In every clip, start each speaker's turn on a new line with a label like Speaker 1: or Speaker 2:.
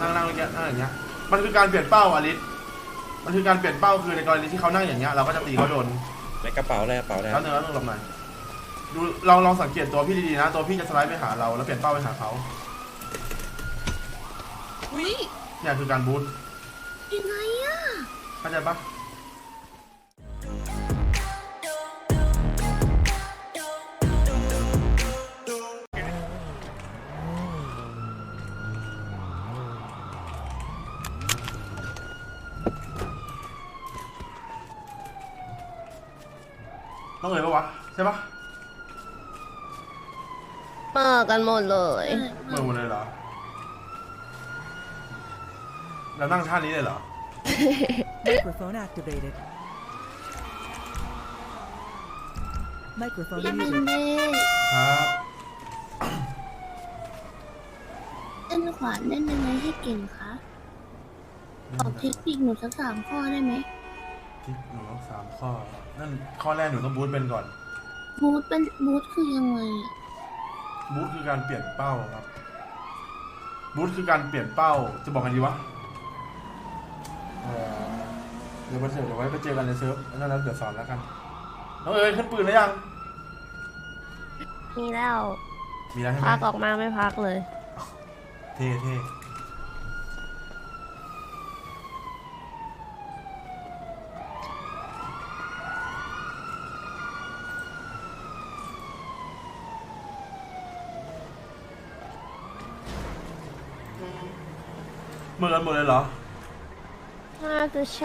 Speaker 1: นั่งอย่างเงี้ยนั่งอย่างเงี้ยมันคือการเปลี่ยนเป้าอลิสมันคือการเปลี่ยนเป้าคือในกรณีที่เขานั่งอย่างเงี้ยเราก็จะตีเขาโดน
Speaker 2: ในกระเป๋าอะไร
Speaker 1: แล้วเนื้อต้องลงมาดูลองสังเกตตัวพี่ดีๆนะตัวพี่จะสไลด์ไปหาเราแล้วเปลี่ยนเป้าไปหาเขาเนี่ยคือการบูท
Speaker 3: ยังไงอะ
Speaker 1: เข้าใจปะต้องเลยปะวะใช่ปะ
Speaker 3: มากันหมดเลย
Speaker 1: เมื่อหมดเลยเหรอแล้วนั่งท่านี้เลยเหรอ
Speaker 4: Microphone activated. Microphone
Speaker 3: พี่เป็น
Speaker 4: muted.
Speaker 3: เด้
Speaker 1: ครับ
Speaker 3: เล่นขวานเล่นยังไงให้เก่งคะตอบเทคนิคหนูสัก3 ข้อได้ไหม
Speaker 1: ที่หนูต้อง3 ข้อนั่นข้อแรกหนูต้องบูทเป็นก่อน
Speaker 3: บูทคือยังไงอะ
Speaker 1: บูทคือการเปลี่ยนเป้าครับบูทคือการเปลี่ยนเป้าจะบอกกันดีวะเดี๋ยวเดี๋ยวไว้ไปเจอกันในเซิร์ฟนั่นแล้วเดี๋ยวสอนแล้วกันน้องเอ๋ยขึ้นปืนแล้วยัง
Speaker 3: มีแล้ว
Speaker 1: มีแล้วใช่ไหม
Speaker 3: พักออกมาไม่พักเลย
Speaker 1: เท่เหมือนกันหมดเลยเหรอ
Speaker 3: น่าจะใช่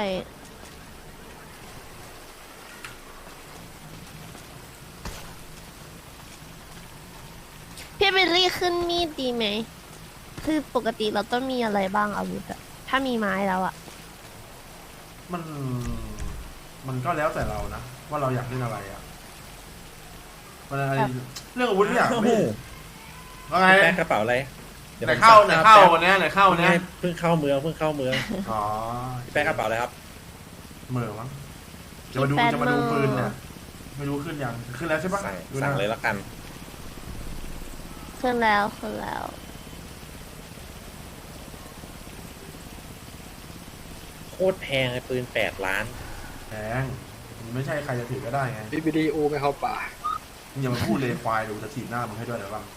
Speaker 3: พี่เบลลี่ขึ้นมีดดีไหม คือปกติเราต้องมีอะไรบ้างอาวุธอะถ้ามีไม้แล้วอะ
Speaker 1: มันก็แล้วแต่เรานะว่าเราอยากเล่นอะไรอ่ะมันอะไรเรื่องอาวุธเนี่ยไม่ว่าไง
Speaker 2: แป้งกระเป๋าอะไร
Speaker 1: ไหนเข้าวันนี้ไหนเข้าวันนี้
Speaker 2: เพิ่งเข้าเมือง
Speaker 1: อ๋อ
Speaker 2: แป้งกระเป๋าอะไรครับ
Speaker 1: เมื่อมั้งจะมาดูปืนเนี่ยไม่รู้ขึ้นยังขึ้นแล้วใช่ปะ
Speaker 2: สั่งเลยละกัน
Speaker 3: ขึ้นแล้ว
Speaker 2: โคตรแพงเลยปืน8 ล้าน
Speaker 1: แพงมันไม่ใช่ใครจะถือก็ได้ไง
Speaker 5: วิดีโอไม่เข้าป่า
Speaker 1: มึงอย่ามาพูดเลยควายเดี๋ยวจะถีบหน้ามึงให้ด้วยเดี๋ยวบ้าง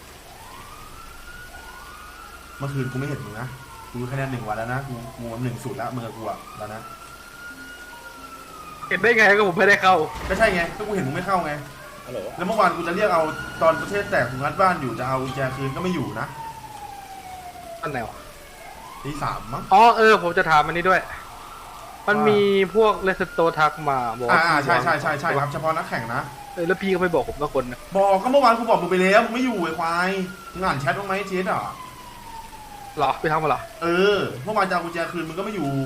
Speaker 1: เมื่อคืนกูไม่เห็นมึงนะกูคะแนน1 วันแล้วนะกู1-0แล้วมึงกับกูอะแล้วนะ
Speaker 5: เห็นได้ไงก็ผมไม่ได้เข้า
Speaker 1: ก็ใช่ไงก็กูเห็นมึงไม่เข้าไง
Speaker 2: ฮัลโหล
Speaker 1: แล้วเมื่อวานกูจะเรียกเอาตอนประเทศแตกกูงัดบ้านอยู่จะเอากุญแจคืนก็ไม่อยู่นะ
Speaker 5: อันไหนวะ
Speaker 1: 3มั้ง
Speaker 5: อ๋อผมจะถามอันนี้ด้วย มันมีพวกเลสโตทักมาบอกว่า
Speaker 1: ใช่ครับเฉพาะนักแข่งนะ
Speaker 5: แล้วพี่ก็ไม่บอกผมสักคนนะ
Speaker 1: บอกก็เมื่อวานกูบอกมึงไปแล้วมึงไม่อยู่ไอ้ควายมึงอ่านแชทบ้างไหมเจสอ่ะ
Speaker 5: เหรอไปทำมาเหรอ
Speaker 1: เมื่อวานจะเอากุญแจคืนมึงก็ไม่อยู่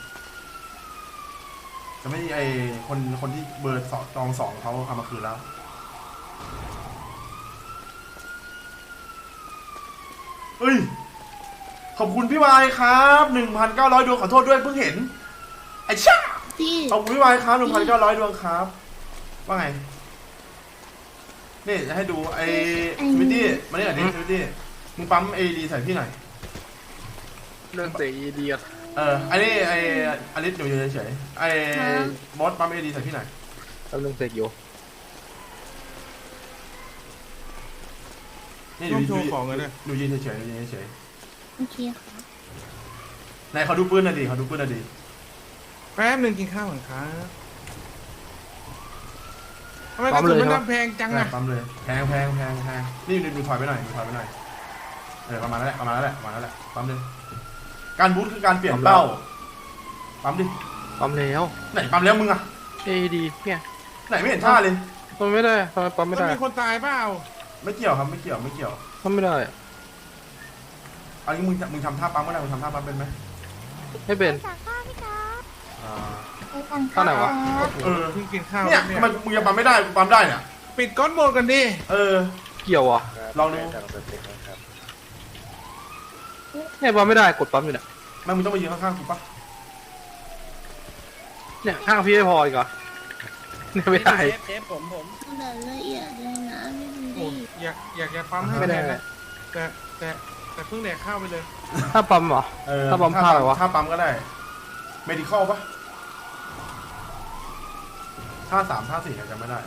Speaker 1: จะไม่ไอคนที่เบอร์2เขาเอามาคืนแล้วเฮ้ยขอบคุณพี่วายครับ 1,900 ดวงขอโทษด้วยเพิ่งเห็นไอ้ช่าขอบคุณพี่วายครับ 1,900 ดวงครับว่าไงนี่จะให้ดูไอ้สวิตตี้มาเนี่ยดิสวิตตี้มึงปั๊มเอดีใส่พี่หน่อย
Speaker 5: เรื่องเสียเดียด
Speaker 1: อันนี้ไอ้อลิสอยู่เฉยๆไอ้มอสปั๊มเอดีใส่พี่หน่อย
Speaker 5: แล้วเรื่องเสียอยู่
Speaker 1: นี่อยู่ของเลยดูยืนเฉยๆ
Speaker 3: โอเคค่ะ
Speaker 1: ไหนเขาดูปืนหน่อยดิ
Speaker 6: แป๊บนึงกินข้าวก่อนครับทำไมกระสุนมันดังแพงจังอะ
Speaker 1: ปั๊มเลยแพงนี่ดูถอยไปหน่อยประมาณนั้นแหละปั๊มเลยการบูทคือการเปลี่ยนเป้าปั๊มดิ
Speaker 5: ปั๊มแล้ว
Speaker 1: ไหนปั๊มแล้วมึงอะ
Speaker 5: ดีเนี่ย
Speaker 1: ไหนไม่เห็นท่าเลย
Speaker 5: ปั๊มไม่ได้ทำไมปั๊มไม่
Speaker 6: มัน
Speaker 5: ได้
Speaker 6: มีคนตายเปล่า
Speaker 1: ไม่เกี่ยวครับไม่เกี่ยว
Speaker 5: ปั๊มไม่ได้
Speaker 1: อันนี้มึงทำท่าปั๊มก็ได้มึงทำท่าปั๊มเป็นไหม
Speaker 5: ไม่เป็น
Speaker 3: ท่าไหนวะ
Speaker 6: เพิ่งกินข้าว
Speaker 1: เนี่ยทำไมมึงยังปั๊มไม่ได้กูปั๊มได้เนี่ย
Speaker 6: ปิดก้อนโหมดกันดิ
Speaker 5: เกี่ยวอ่ะ
Speaker 1: ลองดู
Speaker 5: เนี่ยปั๊มไม่ได้กดปั๊มอยู่เนี่ย
Speaker 1: มึงต้องไปยืนข้างๆกูปะ
Speaker 5: เนี่ยข้างพี่ไม่พออีกเหรอเนี่ยไม่ได้
Speaker 2: เชฟผม
Speaker 3: ละเอียดเลยนะไม่เป็นไร
Speaker 6: อยากจะปั๊มให้
Speaker 5: ไม่ได้
Speaker 6: แต่แต่เพิ่งแดกข้าวไปเลย
Speaker 5: ถ้าปั๊มเหรอ ถ้าปั๊มท่าอะไรวะ
Speaker 1: ท่าปั๊มก็ได้ medical ปะท่า3ท่า4จำไม่ได้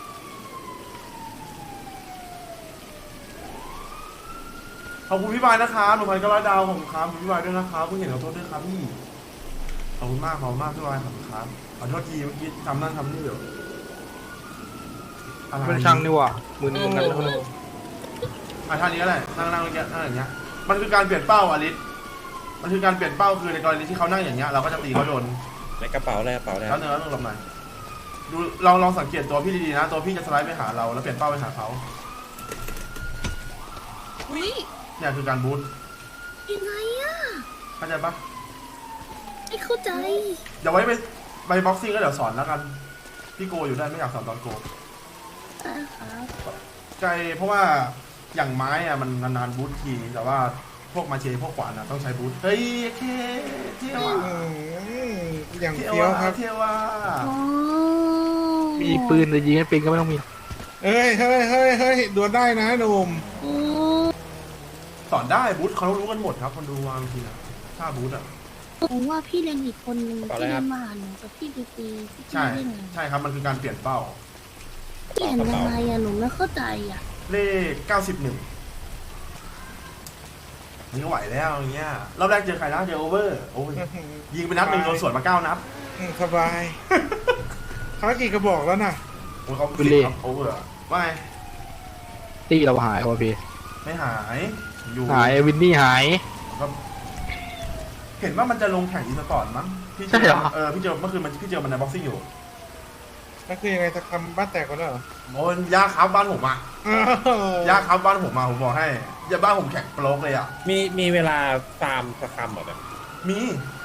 Speaker 1: ขอบคุณพี่บายนะครับ1,900 ดาวผมครับขอบคุณพี่บายด้วยนะครับเพิ่งเห็นขอโทษด้วยครับพี่ ขอบคุณมากพี่บายขอบคุณครับขอโทษทีเมื่อกี้ทำนั่นทำนี่อยู่อะไร
Speaker 5: เป็นช่างนี่หว่ะมือนึงกันแล้ว
Speaker 1: ท่านี้ก็ได้นั่งอย่างเงี้ยนั่งอย่างเงี้ย มันคือการเปลี่ยนเป้าอลิสมันคือการเปลี่ยนเป้าคือในกรณีที่เขานั่งอย่างเงี้ยเราก็จะตีเขาโดน
Speaker 2: ในกระเป๋าแล้ว
Speaker 1: แล้วเนื้อลงหน่อยดูลองสังเกตตัวพี่ดีๆนะตัวพี่จะสไลด์ไปหาเราแล้วเปลี่ยนเป้าไปหาเขา
Speaker 3: อุ้ย
Speaker 1: เนี่ยคือการบูท
Speaker 3: ยังไงอะ
Speaker 1: เข้าใจปะ
Speaker 3: ไม่เข้าใจ
Speaker 1: เดี๋ยวไว้ไปบ็อกซิ่งก็เดี๋ยวสอนแล้วกันพี่โกอยู่ได้ไม่อยากสอนตอนโก
Speaker 3: ครับ
Speaker 1: ใจเพราะว่าอย่างไม้อะมันนานๆบูททีแต่ว่าพวกมาเชพวกขวานอะต้องใช้บูทเฮ้ยเคเที่ยวอะ
Speaker 6: อย่าง
Speaker 1: เที่ยว
Speaker 6: เฟี้ยว
Speaker 1: อะ
Speaker 6: ครับ
Speaker 1: เที่ยวอะ
Speaker 3: อ๋อ
Speaker 5: มีปืนแต่ยิงให้ปืนก็ไม่ต้องมี
Speaker 6: เฮ้ยดวลได้นะหนุ่ม
Speaker 3: อืม
Speaker 1: สอนได้บูทเขารู้กันหมดครับคนดูวางทีนะถ้าบูทอะ
Speaker 3: ผมว่าพี่เรียนอีกคนนึงที่เรียนมาหาหนูกับพี่ดีตีที่
Speaker 1: ใช่
Speaker 3: พี่เล่น
Speaker 1: ใช่ครับมันคือการเปลี่ยนเป้า
Speaker 3: พี่เห็นยังไงอะหนูไม่เข้าใจอะ
Speaker 1: เลข91มันก็ไหวแล้วอย่างเงี้ยรอบแรกเจอใครนะเจอโอเวอร์โอ้ยยิงไปนัดหนึ่งโดนสวนมา9 นัด
Speaker 6: สบายเขากี่กระบอกแล้วน่ะ
Speaker 1: โอ้ยเขา
Speaker 5: บุลเล่
Speaker 1: ครับโอเวอร์ว่าไง
Speaker 5: ตีเราหายว่ะพี่
Speaker 1: ไม่หายอยู่
Speaker 5: หายวินนี่หาย
Speaker 1: ก็เห็นว่ามันจะลงแข่งอีสปอร์ตมั้งพี่
Speaker 5: ใช่เหรอ
Speaker 1: พี่เจอเมื่อคืนพี่เจอมันในบ็อกซิ่งอยู่
Speaker 6: นั่นคือยังไงจะทำบ้านแตกกันแล้วเหรอ
Speaker 1: โอ้ยยากครับบ้านผมอะยากครับบ้านผมมาผมบอกให้อย่าบ้านผมแข่งโปรกเลยอะ
Speaker 2: มีเวลาฟาร์มสักคำเหรอแบบ
Speaker 1: มี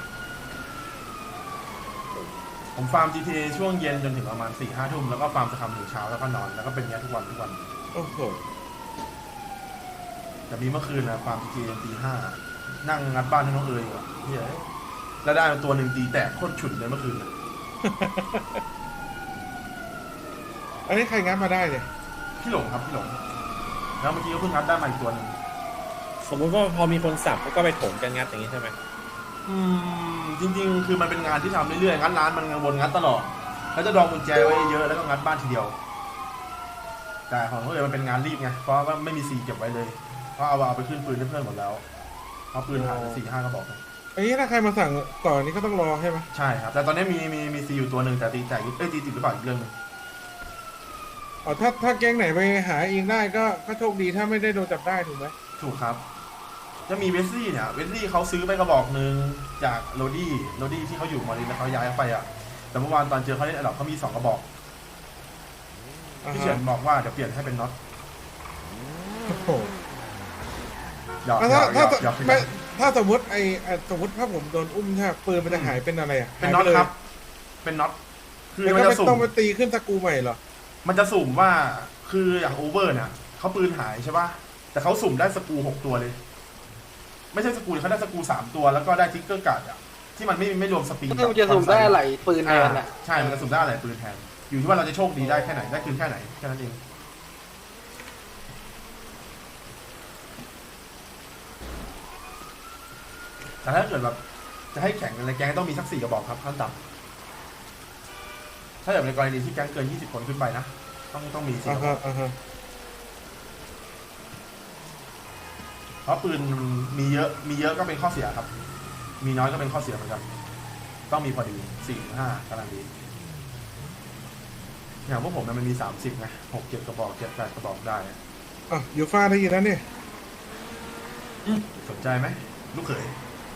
Speaker 1: ผมฟาร์ม GTA ช่วงเย็นจนถึงประมาณ4-5 ทุ่มแล้วก็ฟาร์มสครัมถึงเช้าแล้วก็นอนแล้วก็เป็นอย่างนี้ทุกวัน
Speaker 6: โอ้โห
Speaker 1: แต่มีเมื่อคืนนะฟาร์ม GTA จนตี 5นั่งงัดบ้านให้น้องเอ๋ยอยู่อะเฮ้ยแล้วได้มาตัวหนึ่งตีแตกโคตรฉุนเลยเมื่อคืนน่ะ
Speaker 6: อันนี้ใครงัดมาได้เนี่ย
Speaker 1: พี่หลงครับพี่หลงแล้วเมื่อกี้ก็เพิ่งงัดได้มาอีกตัวหนึ่ง
Speaker 2: สมมุติว่าพอมีคนสับก็ไปถมกันงัดอย่างนี้ใช่ไหม
Speaker 1: จริงๆ คือมันเป็นงานที่ทำเรื่อยๆงัดร้านมันวนงัดตลอดแล้วจะดองกุญแจไว้เยอะแล้วก็งัดบ้านทีเดียว แต่ของเขาเลยมันเป็นงานรีบไงเพราะว่าไม่มีซีเก็บไว้เลยเพราะเอาไปขึ้นปืนให้เพื่อนหมดแล้วเอาปืนหายไป4-5 กระบอกเลย
Speaker 6: อันนี้ถ้าใครมาสั่งก่อนนี้ก็ต้องรอใช่ไหม
Speaker 1: ใช่ครับแต่ตอนนี้มีซีอยู่ตัวหนึ่งแต่ตีแตกตีติดหรือเปล่าอีกเรื่องหนึง
Speaker 6: อ๋อถ้าแก๊งไหนไปหาเองได้ก็โชคดีถ้าไม่ได้โดนจับได้ถูกไหม
Speaker 1: ถูกครับจะมีเวสลี่เนี่ยเวสลี่เขาซื้อไปกระบอกหนึ่งจากโรดี้ที่เขาอยู่มอรินแล้วเขาย้ายไปอ่ะแต่เมื่อวานตอนเจอเขาเล่นอันดับเขามี2 กระบอกพี่เฉินบอกว่าเดี๋ยวเปลี่ยนให้เป็นน็อต
Speaker 6: โอ้โห
Speaker 1: หยอก
Speaker 6: แล้ว
Speaker 1: หย
Speaker 6: ถ้า
Speaker 1: อกหยอก
Speaker 6: ไม่ถ้าสมมติสมมติถ้าผมโดนอุ้มใช่ไหมปืนมันจะหายเป็นอะไรอ่ะ
Speaker 1: เป็นน็อต
Speaker 6: หายไลย
Speaker 1: ครับ เป็นน็อตคือ
Speaker 6: แล้ว
Speaker 1: มัน
Speaker 6: ก็
Speaker 1: จะ
Speaker 6: ไม่
Speaker 1: สุ่
Speaker 6: ต้อง
Speaker 1: ม
Speaker 6: ไปตีขึ้นสกรูใหม่เหรอ
Speaker 1: มันจะสุ่มว่าคืออย่างโอเวอร์เนี่ยเขาปืนหายใช่ป่ะแต่เขาสุ่มได้สกรู6 ตัวเลย ไม่ใช่สกรูเขาได้สกรู3 ตัวแล้วก็ได้ทิกเกอร์การ์ดอ่ะที่มันไม่รวมสปีด
Speaker 5: มันจะสุ่มได้อะไรปืนแทนอ่ะ
Speaker 1: ใช่มันจะสุ่มได้อะไรปืนแทนอยู่ที่ว่าเราจะโชคดีได้แค่ไหนได้คืนแค่ไหนแค่นั้นเองแต่ถ้าเกิดแบบจะให้แข่งกันในแก๊งต้องมีสัก4 กระบอกครับขั้นต่ำถ้าแบบในกรณีที่แก๊งเกิน20 คนขึ้นไปนะต้องมี4 กระบอก เพราะปืนมันมีเยอะก็เป็นข้อเสียครับ มีน้อยก็เป็นข้อเสียเหมือนกันต้องมีพอดี4-5กำลังดีอย่างพวกผมมันมี30ไง6-7 กระบอก7-8 กระบอกได้
Speaker 6: อยู่ฟ้าได้ยินแล้วเนี่ย
Speaker 1: สนใจไหมลูกเขย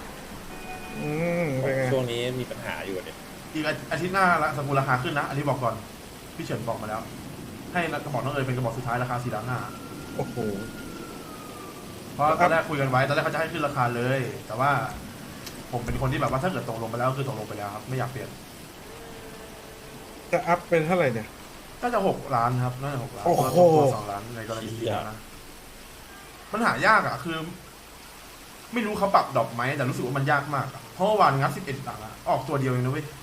Speaker 6: เป็นไง
Speaker 2: ช่วงนี้มีปัญหาอยู่เนี่ย
Speaker 1: อีกอาทิตย์หน้าละสกุลราคาขึ้นนะอันนี้บอกก่อนพี่เฉินบอกมาแล้ว ให้กระบอกน้องเอ๋ยเป็นกระบอกสุดท้ายราคา4,500
Speaker 6: โอ้โห
Speaker 1: เพราะตอนแรกคุยกันไว้ตอนแรกเขาจะให้ขึ้นราคาเลย แต่ว่าผมเป็นคนที่แบบว่าถ้าเกิดตกลงไปแล้วคือตกลงไปแล้วครับไม่อยากเปลี่ยน
Speaker 6: จะอัพเป็นเท่าไหร่เนี่ย
Speaker 1: ก็จะ6 ล้านครับน่าจะ6 ล้าน
Speaker 6: โอ้โห
Speaker 1: แล้วตัว2 ล้านในกรณีที่แล้วนะมันหายากอ่ะคือ ไม่รู้เขาปรับดอกไหมแต่รู้สึกว่ามันยากมากอะเพราะว่าวันงัด11 หลังอะออกตัวเดียวเองนะเว้ย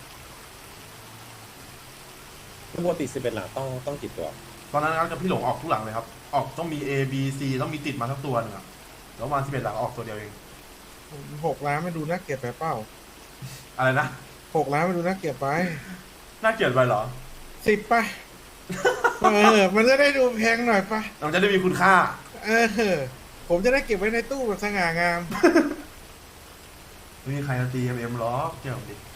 Speaker 2: ปกติ11 หลังต้องกี่ตัว
Speaker 1: ตอนนั้นงัดกับพี่หลงออกทุกหลังเลยครับออกต้องมี A B C ต้องมีติดมาทั้งตัวหนึงอะแล้วประมาณ11 หลักออกตัวเดียวเอง
Speaker 6: 6 ล้านมันดูน่าเกลียดไปเปล่า
Speaker 1: อะไรนะ
Speaker 6: 6 ล้านมันดูน่าเกลียดไป
Speaker 1: น่าเกลียดไปเหรอ
Speaker 6: 10ไปมันจะได้ดูแพงหน่อยปะ
Speaker 1: เราจะได้มีคุณค่า
Speaker 6: ผมจะได้เก็บไว้ในตู้แบบสง่างาม
Speaker 1: ไม่มีใครมาตี MM หรอกเกี่ยวกับดิ